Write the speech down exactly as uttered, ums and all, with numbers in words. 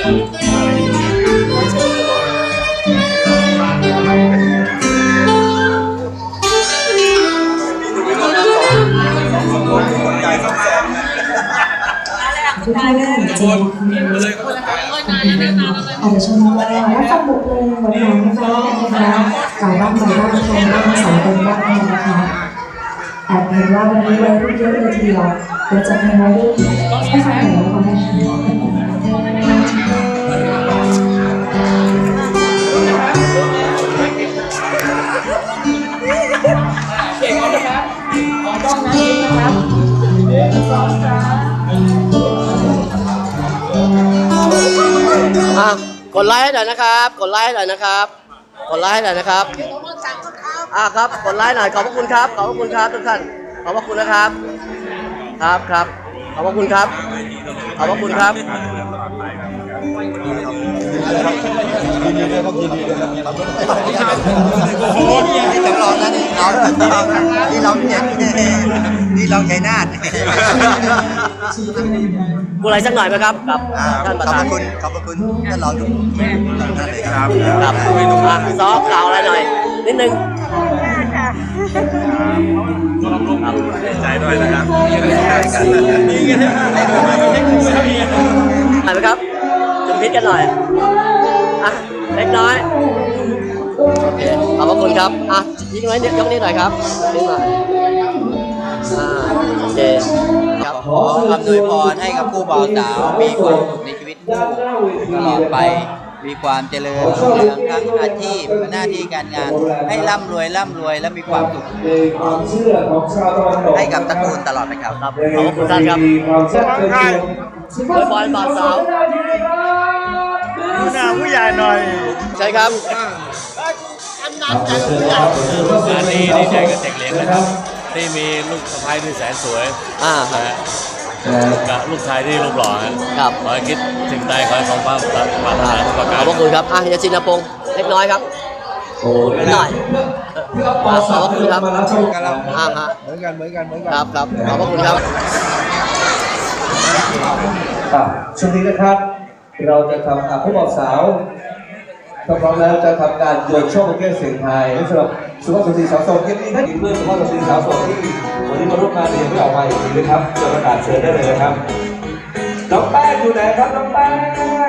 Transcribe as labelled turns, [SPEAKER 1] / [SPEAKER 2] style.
[SPEAKER 1] ทุกท่านได้เห็นจริงอาจจะชมว่ารับฟังบทเพลงหวานๆนะคะกล่าวบ้างกล่าวบ้างชมบ้างสอนกันบ้างนะคะแอบเห็นว่าวันนี้วัยรุ่นเยอะเลยทีเดียวเดี๋ยวจะให้วัยรุ่นให้ฟังหน่อยแล้วกัน
[SPEAKER 2] เก่งนะครับขอต้องนะนะครับหนึ่งสองสาม
[SPEAKER 3] อ่ะกดไลค์ให้หน่อยนะครับกดไลค์ให้หน่อยนะครับกดไลค์ให้หน่อยนะครับอ่ะครับกดไลค์หน่อยขอบพระคุณครับขอบพระคุณครับทุกท่านขอบพระคุณนะครับครับครับขอบพระคุณครับขอบพระคุณครับ
[SPEAKER 4] โอ้โหนี่จำลองนะนี่เรานี่เราเนี่ยนี่เราชัยนาท
[SPEAKER 3] พูดอะไรสักหน่อยไหมครับกับท่านประธาน
[SPEAKER 4] ขอบคุณขอบคุณท่านรองทุกท่านเลยครับ
[SPEAKER 3] ครับอ่ะซอฟกล่าวอะไรหน่อยนิดนึง
[SPEAKER 5] ใจด้วยนะครับ
[SPEAKER 3] นี่ไงไหนไหมครับจุ่มพิษกันหน่อยอ่ะเล็กน้อยโอเคขอบพระคุณครับอ่ะยิงไว้ยกนี้หน่อยครับนิดหน่อยอ่าโอเคครับ
[SPEAKER 4] ขออำนวยพรให้กับผู้บ่าวสาวมีความสุขในชีวิตคู่ตลอดไปมีความเจริญรุ่งเรืองทั้งอาชีพหน้าที่การงานให้ร่ำรวยร่ำรวยและมีความสุขให้กับตระกูลตลอดไปครับ
[SPEAKER 3] ขอบคุณท่านครับบอยบอยบ่าวสาว
[SPEAKER 5] หน้าผู้ใหญ่หน่อย
[SPEAKER 3] ใช่ครับ
[SPEAKER 5] งานนี้ดีใจกับเด็กเลี้ยงนะครับที่มีลูกสะใภ้ที่แสนสวย
[SPEAKER 3] อ่า
[SPEAKER 5] กับลูกชายที่รูปหล่อครับขอให้คิดถึงใดขอให้สมความปรารถนาทุกประการ
[SPEAKER 3] ขอบคุณครับอ่ะยาชินพงศ์เล็กน้อยครับนิดหน่อยขอบคุณครับอ่าฮะ
[SPEAKER 4] เหมือนกันเหมือนกันเหมือนกัน
[SPEAKER 3] ครับครับขอบคุณครับ
[SPEAKER 6] ช่วงนี้นะครับเราจะทำผู้บ่าวสาวถ้าพร้อมแล้วจะทำการโยนช่อบุเก้เสียงไทยสำหรับสุภาพสตรีสาวโสดที่ท่านเพื่อนสุภาพสตรีสาวโสดที่วันนี้มาร่วมงานเรียนไม่ออกมาอีกทีนะครับจะประกาศเชิญได้เลยนะครับน้องแป้งอยู่ไหนครับน้องแป้ง